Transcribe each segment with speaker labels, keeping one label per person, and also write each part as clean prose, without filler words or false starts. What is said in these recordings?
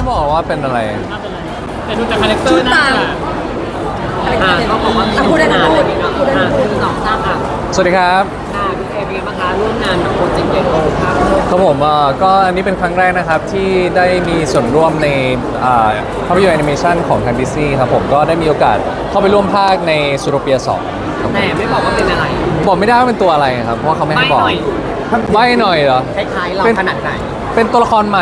Speaker 1: บอกว่าเป็นอะไร
Speaker 2: แต่ดูจากคาแรคเตอร์น่า
Speaker 3: เขาบอกว่าพูดได้นะพูดได้พูดสองสามอ่ะ
Speaker 1: สวัสดีครับ
Speaker 3: พี่เอเป็นไงบ้างคะร่วมงานกับโปรเจกต์ใหญ่โตครับ
Speaker 1: ครับผมก็อันนี้เป็นครั้งแรกนะครับที่ได้มีส่วนร่วมในภาพยนตร์แอนิเมชันของทางดิสนีย์ครับผมก็ได้มีโอกาสเข้าไปร่วมภาคในซูโรเปีย2
Speaker 3: แต่ไม่บอกว่าเป็นอะไร
Speaker 1: บอกไม่ได้ว่าเป็นตัวอะไรครับเพราะเขาไม่ให้บอกไม่หน่อยเหรอ
Speaker 3: คล้ายๆเราขนาดไหน
Speaker 1: เป็นตัวละครใหม่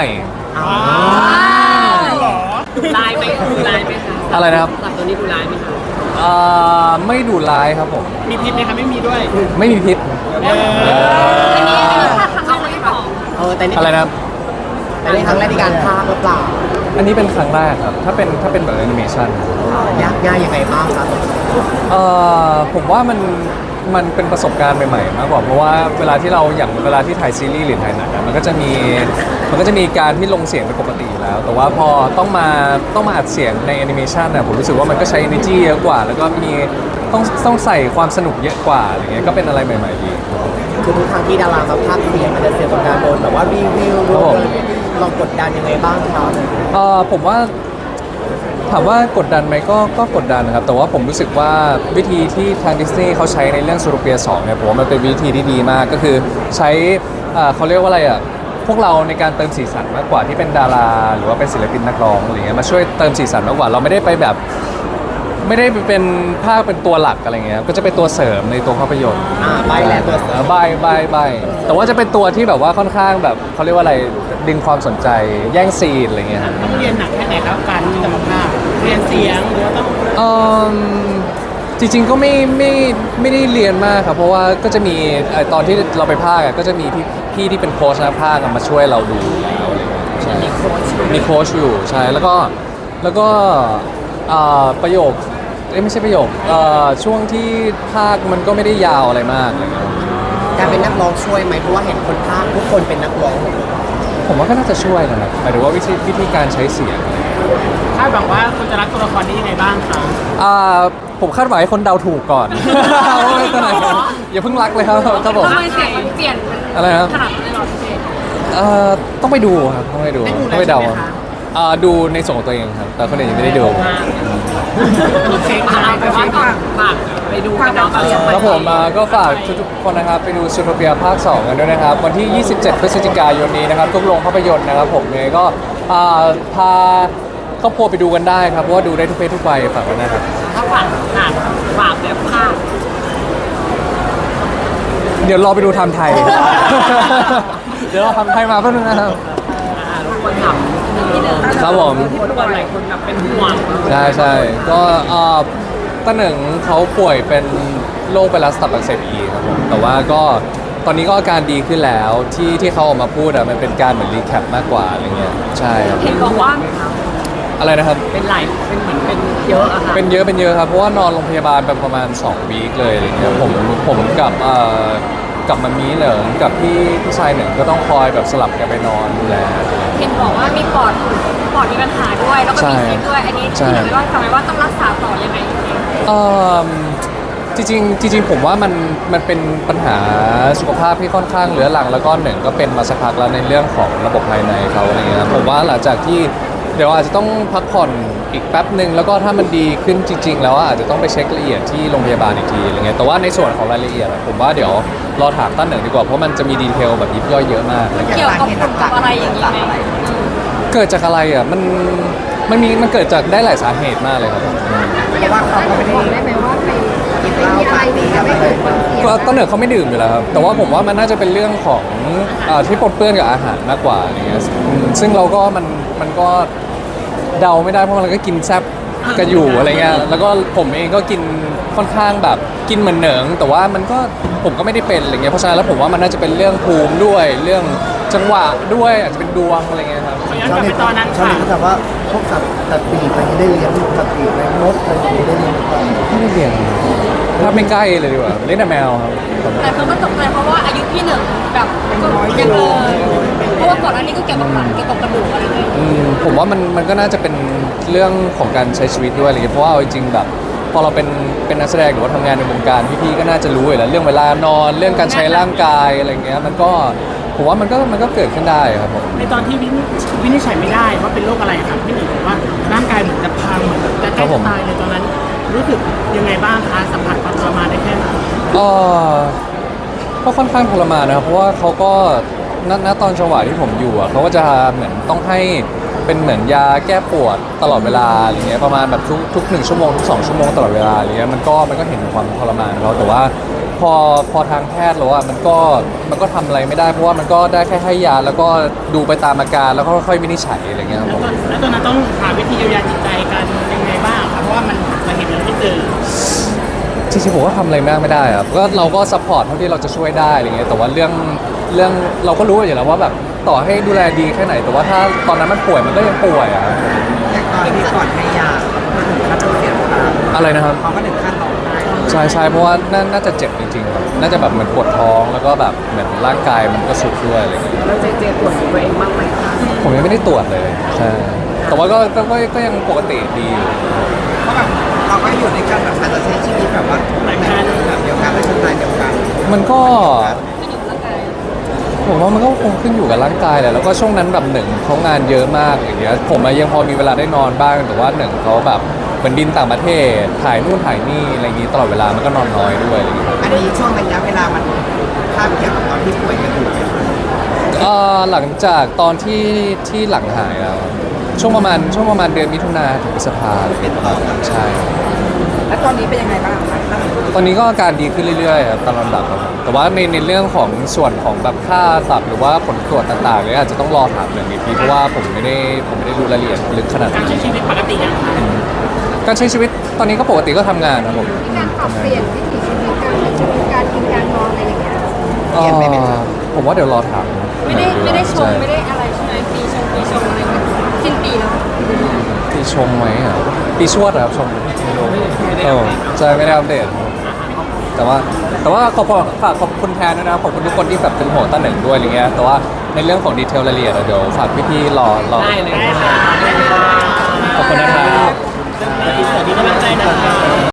Speaker 3: ดูลายไหมดูลายไหมคะ
Speaker 1: อะไรนะครับ
Speaker 3: สัตว์ตัวนี้ดูลายไหมคะ
Speaker 1: ไม่ดุร้ายครับผม
Speaker 2: มีพิษไหมคะไม่มีด้วย
Speaker 1: ไม่มีพิษ
Speaker 3: อันนี้เขาไม่ได้บอกแต่นี่
Speaker 1: อะไรนะครับ
Speaker 3: แต่ในครั้งแรกในการพากหรือเปล่า
Speaker 1: อันนี้เป็นครั้งแรกครับถ้าเป็นแบบแอนิเมชัน
Speaker 3: ยากง่ายยังไงบ้างครับ
Speaker 1: ผมว่ามันเป็นประสบการณ์ใหม่ๆมากกว่าเพราะว่าเวลาที่ถ่ายซีรีส์หรือถ่ายหนังมันก็จะมีการที่ลงเสียงเป็นปกติอยู่แล้วแต่ว่าพอต้องมาอัดเสียงในแอนิเมชันผมรู้สึกว่ามันก็ใช้ energy เยอะกว่าแล้วก็มีต้องใส่ความสนุกเยอะกว่าอะไรเงี้ยก็เป็นอะไรใหม่ๆดี
Speaker 3: คือทุกครั้งที่ดารามาพากย์เสียงมันจะเสียกับการโดนแต่ว่ารีวิวลองกดดันยังไงบ้างครับ
Speaker 1: ผมว่าถามว่ากดดันไหมก็กดดันนะครับแต่ว่าผมรู้สึกว่าวิธีที่ทางดิสนีย์เขาใช้ในเรื่องซูโรเปีย2เนี่ยผมว่ามันเป็นวิธีที่ดีมากก็คือใช้เขาเรียกว่าอะไรพวกเราในการเติมสีสันมากกว่าที่เป็นดาราหรือว่าเป็นศิลปินนักร้องอะไรเงี้ยมาช่วยเติมสีสันมากกว่าเราไม่ได้ไปแบบไม่ได้เป็นภาคเป็นตัวหลักอะไรเงี้ยก็จะเป็นตัวเสริมในตัวภาพยนตร์
Speaker 3: ใบแหละตัวเสริม
Speaker 1: ใบแต่ว่าจะเป็นตัวที่แบบว่าค่อนข้างแบบเขาเรียกว่าอะไรดึงความสนใจแย่งซีนอะไรเงี้ย
Speaker 2: ต้องเรียนหนักแค่ไหนครับการที่จะมาพากย์เรียนเสียงหรือว่าต้อง
Speaker 1: จริงๆก็ไม่ได้เรียนมากครับเพราะว่าก็จะมีตอนที่เราไปพากย์ก็จะมีพี่ที่เป็นโค้ชนะพากย์มาช่วยเราดูแล้วอะไรเงี้ยมีโค้ชอยู่ใช่แล้วก็ประโยคไม่ใช่ประโยคช่วงที่ภาคมันก็ไม่ได้ยาวอะไรมากอะไรเงี้ย
Speaker 3: การเป็นนักร้องช่วยไหมเพราะว่าเห็นคนภาคทุกคนเป็นนักร้อง
Speaker 1: ผมว่าก็น่าจะช่วยนะครับหมายถึงว่าวิธีการใช้เสียง
Speaker 2: คาดหวังว่าคุณจะรักตัวละครนี้ยังไงบ้างคะ
Speaker 1: ผมคาดหวังให้คนเดาถูกก่อนว่าตัวไหนอย่าเพิ่งรักเลยครับผม
Speaker 3: ทำไมเสียงมันเปลี่ยน
Speaker 1: อะไรครับ
Speaker 3: ขนาดนี้หรอพี่
Speaker 1: ต้องไปดูครับต้องไปเดาดูในส่วนของตัวเองครับแต่คนอื่นยังไม่ได้ดู
Speaker 3: เช็คมาไปว่าฝากไปดูกันเนาะ
Speaker 1: ครับผมก็ฝากทุกคนนะครับไปดูซูโทเปียภาค 2 กันด้วยนะครับวันที่ 27 พฤศจิกายนนี้นะครับทุกโรงภาพยนตร์นะครับผมยังไงก็พาครอบครัวไปดูกันได้ครับเพราะว่าดูได้ทุกเพศทุกวัยฝากไว้นะครับ
Speaker 3: ถ้าฝากแบบภาค
Speaker 1: เดี๋ยวรอไปดูทำไทยเดี๋ยวเราทำไทยมาเพื่อนนะครับ
Speaker 3: คนถาม
Speaker 1: ครับผม
Speaker 3: ที่ทุกคนหลายคนแบบเป็นห่วง
Speaker 1: ใช่ก็ต้าหนึ่งเขาป่วยเป็นโรคไวรัสตับอักเสบอีครับผมแต่ว่าก็ตอนนี้ก็อาการดีขึ้นแล้วที่เขาออกมาพูดมันเป็นการเหมือนรีแคปมากกว่าอะไรเงี้ยใช่ครับ
Speaker 3: เห็นบอกว่า
Speaker 1: อะไรนะครับ
Speaker 3: เป็นเหมือนเป็นเยอะอะค่ะ
Speaker 1: เป็นเยอะครับเพราะว่านอนโรงพยาบาลไปประมาณ2 วีคเลยอะไรเงี้ยผมกับมามีเหนิงกับพี่ชายหนึ่งก็ต้องคอยแบบสลับกันไปนอนดูแล
Speaker 3: เห็นบอกว่ามีปอดมีปัญหาด้วยแล้วก็มีซีสด้วยอันนี้ที่ไหนว่าทำไมว่าต้องรักษาต่อยังไง
Speaker 1: จริงผมว่ามันเป็นปัญหาสุขภาพที่ค่อนข้างเรื้อรังแล้วก็หนึ่งก็เป็นมาสักพักแล้วในเรื่องของระบบภายในเขาอะไรเงี้ยผมว่าหลังจากที่เดี๋ยวอาจจะต้องพักผ่อนอีกแป๊บหนึ่งแล้วก็ถ้ามันดีขึ้นจริงๆแล้วอาจจะต้องไปเช็คละเอียดที่โรงพยาบาลอีกทีอะไรเงี้ยแต่ว่าในส่วนของรายละเอียดผมว่าเดี๋ยวรอถามต้นหนึ่งดีกว่าเพราะมันจะมีดีเทลแบบยิบย่อยเยอะมาก
Speaker 3: เกี่ยวกับอะไรอย่างนี้ไหม
Speaker 1: เกิดจากอะไรมันเกิดจากได้หลายสาเหตุมากเลยครับ
Speaker 3: แต่ว่าเขาไม่ได้ไหมว่าไปกินเหล้าไปดื่มอะไร
Speaker 1: ก็ต้นเหนือเขาไม่ดื่มอยู่แล้วครับแต่ว่าผมว่ามันน่าจะเป็นเรื่องของที่ปนเปื้อนกับอาหารมากกว่าอะไรเงี้ยซึ่งเราก็มันก็เดาไม่ได้เพราะมันก็กินแซ่บกันอยู่อะไรเงี้ยแล้วก็ผมเองก็กินค่อนข้างแบบกินเหมือนเหนิงแต่ว่ามันก็ผมก็ไม่ได้เป็นอะไรเงี้ยเพราะฉะนั้นแล้วผมว่ามันน่าจะเป็นเรื่องภูมิด้วยเรื่องจังหวะด้วยอาจจะเป็นดวงอะไรเงี้ยครับ
Speaker 2: ย้อนกลับไปตอนนั้นค่ะ
Speaker 3: เขาถามว่าพวกสัตว์ตัดปีกอะไรได้เลี้ยงสัตว์ปีกอะไรมดอะไรอย่างเงี้ยได้เลี้ยง
Speaker 1: ไม่ได้เลี้ยงถ้าไม่ใกล้เลยดีกว่าเล่นแต่แมวครับ
Speaker 3: แต่เขาก็ตกใจเพราะว่าอายุพี่หนึ่งแบบยังเพราะว่าก่อนหน้านี้ก็เกี่ยวกับหนังเกี่ยวกับกระดูกอะไรเงี้ย
Speaker 1: ผมว่ามันก็น่าจะเป็นเรื่องของการใช้ชีวิตด้วยอะไรเงี้ยเพราะว่าจริงๆแบบพอเราเป็นนักแสดงหรือว่าทำงานในวงการพี่ๆก็น่าจะรู้อยู่แล้วเรื่องเวลานอนเรื่องการใช้ร่างกายอะไรเงี้ยมันก็ผมว่ามันก็เกิดขึ้นได้ครับผม
Speaker 2: ในตอนที่วินิจฉัยไม่ได้ว่าเป็นโรคอะไรครับพี่หนึ่งบอกว่าร่างกายเหมือนจะพังเหมือนจะใกล้จะตายเลยตอนนั้นรู้สึกยังไงบ้างคะสัมผัสความทรมานได้แค่ไหน
Speaker 1: ก็ค่อนข้างทรมานนะครับเพราะว่าเขาก็ณตอนจังหวะที่ผมอยู่อ่ะเขาก็จะเหมือนต้องให้เป็นเหมือนยาแก้ปวดตลอดเวลาอะไรเงี้ยประมาณแบบทุก1 ชั่วโมงทุก2 ชั่วโมงตลอดเวลาอะไรเงี้ยมันก็เห็นถึงความทรมานเขาแต่ว่าพอทางแพทย์แล้วอ่ะมันก็ทำอะไรไม่ได้เพราะว่ามันก็ได้แค่ให้ยาแล้วก็ดูไปตามอาการแล้วก็ค่อยๆวินิจฉัยอะไรเงี้ยครับผม
Speaker 2: แล้วตอนนั้นต้องหาวิธีเยียวยาจิตใจกันยังไงบ้างครับเพราะว่ามันมาเห็นมันไม่เจอ
Speaker 1: จริงๆผมก็ทำอะไรมากไม่ได้ครับก็เราก็ซัพพอร์ตเท่าที่เราจะช่วยได้อะไรเงี้ยแต่ว่าเรื่องเราก็รู้อยู่แล้วว่าแบบต่อให้ดูแลดีแค่ไหน แต่ว่าถ้าตอนนั้นมันป่วยมันก็ยังป่วยอ่ะ
Speaker 4: แต่ตอนที่ก่อนให้ยาเขาถึงขั้นต้องเสียน้ำตา
Speaker 1: อะไรนะครับ
Speaker 4: เขาก็ถึงขั้นร้องไห้
Speaker 1: ใช่เพราะว่าน่าจะเจ็บจริงๆครับน่าจะแบบเหมือนปวดท้องแล้วก็แบบเหมือนร่างกายมันก็สุดด้วยอะไรเงี้ย
Speaker 4: แล้วเจตรวจตัวเองบ้างไหมคะ
Speaker 1: ผมยังไม่ได้ตรวจเลยใช่แต่ว่าก็ยังปกติดีอยู่
Speaker 4: เพราะแบบเราก็อยู่ในกันแบบอาจจะใช้ชีวิตแบบว่าในแบบเดียวกันและสไตล์เดียวกัน
Speaker 1: มันก็
Speaker 3: ขึ้นอยู่กับร่างกาย
Speaker 1: ผมว่ามันก็คงขึ้นอยู่กับร่างกายแหละแล้วก็ช่วงนั้นแบบหนึ่งเขางานเยอะมากอย่างเงี้ยผมอะยังพอมีเวลาได้นอนบ้างแต่ว่าหนึ่งเขาแบบเหมือนบินต่างประเทศถ่ายนู่นถ่ายนี่อะไรอย่างงี้ตลอดเวลามันก็นอนน้อยด้วยอะไรอย่างเงี้ย
Speaker 4: อันนี้ช่วงระยะเวลามันคาบเกี่ยวกับตอนที่ป่วยกันอยู่ไหมคะ
Speaker 1: หลังจากตอนที่หลังหายแล้วช่วงประมาณเดือนมิถุนาถึงพฤษภาอะไรอย่างเงี้ยประมาณนั้นใช่
Speaker 4: แล้วตอนนี้เป็นยังไงบ้างคะ
Speaker 1: ตอนนี้ก็อาการดีขึ้นเรื่อยๆครับตามลำดับครับผมแต่ว่าในเรื่องของส่วนของแบบค่าตับหรือว่าผลตรวจต่างๆเนี่ยอาจจะต้องรอถามหนึ่งอีกทีเพราะว่าผมไม่ได้รู้รายละเอียดลึกขนาด
Speaker 2: การ
Speaker 1: นั้น
Speaker 2: ใช้ชีวิตปกติยังคะ
Speaker 1: การใช้ชีวิตตอนนี้ก็ปกติก็ทำงานครับผม
Speaker 5: การปรับเปลี่ยนวิถีชีวิตการใช้ชีวิตการกินการนอนอะไรอย่างเงี้ย
Speaker 1: ผมว่าเดี๋ยวรอถาม
Speaker 3: ไม่ได้ชง
Speaker 1: ใช่
Speaker 3: ไม่ได้อะไรใช่ไหมปีชงอะไรเงี้ยสิ้นปีแล้ว
Speaker 1: ปีชงไหมอ่ะปีชวดเหรอครับชงใช่ไม่ได้อัปเดตแต่ว่าฝากขอบคุณแทนด้วยนะขอบคุณทุกคนที่แบบเป็นห่วงต้าหนึ่งด้วยอะไรเงี้ยแต่ว่าในเรื่องของดีเทลรายละเอียดอะเดี๋ยวฝากพี่ๆรอ
Speaker 2: ได้เลยค่ะ
Speaker 1: ขอบคุณนะครับ
Speaker 2: สวัสดีกำลังใจนะคะ